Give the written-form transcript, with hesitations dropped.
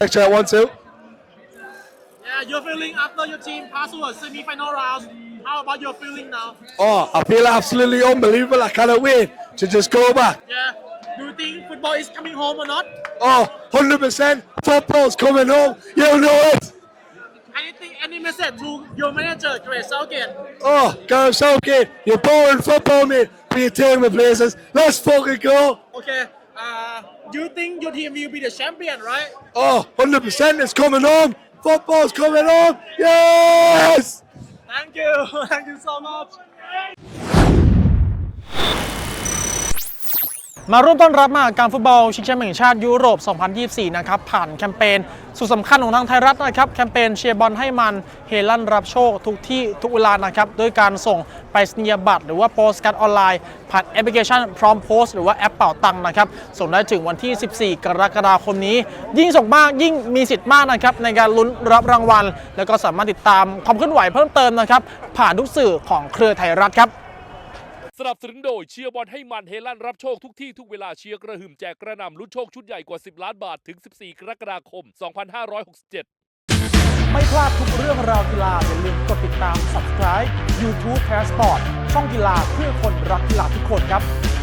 Check 1, 2. Yeah, your feeling after your team passed through a semi-final round. How about your feeling now? Oh, I feel absolutely unbelievable. I cannot wait to just go back. Yeah. Do you think football is coming home or not? Oh, 100%. Football's coming home. You know it. Anything, any message to your manager, Grace Southgate? Oh, Gareth Southgate, you're boring football, mate. But you're taking me places. Let's fucking go. Okay. Do you think your team will be the champion, right? Oh, 100%. It's coming home. Football's coming home. Yes. Thank you. Thank you so much. มาร่วมต้อนรับมหกรรมฟุตบอลชิงแชมป์แห่งชาติยุโรป 2024 นะครับผ่านแคมเปญสุดสำคัญของทางไทยรัฐนะครับแคมเปญเชียร์บอลให้มันเฮลั่นรับโชคทุกที่ทุกเวลานะครับด้วยการส่งไปรษณียบัตรหรือว่าโปสการ์ดออนไลน์ผ่านแอปพลิเคชันพร้อมโพสต์หรือว่าแอปเป่าตังค์นะครับส่งได้ถึงวันที่ 14 กรกฎาคมนี้ยิ่งส่งมากยิ่งมีสิทธิ์มากนะครับในการลุ้นรับรางวัลแล้วก็สามารถติดตามความเคลื่อนไหวเพิ่มเติมนะครับผ่านทุกสื่อของเครือไทยรัฐครับสนับสนุนโดยเชียร์บอลให้มันเฮลั่นรับโชคทุกที่ทุกเวลาเชียร์กระหึ่มแจกกระหน่ำลุ้นโชคชุดใหญ่กว่า10 ล้านบาทถึง 14 กรกฎาคม 2567 ไม่พลาดทุกเรื่องราวกีฬาอย่าลืมกดติดตาม Subscribe YouTube Passport ช่องกีฬาเพื่อคนรักกีฬาทุกคนครับ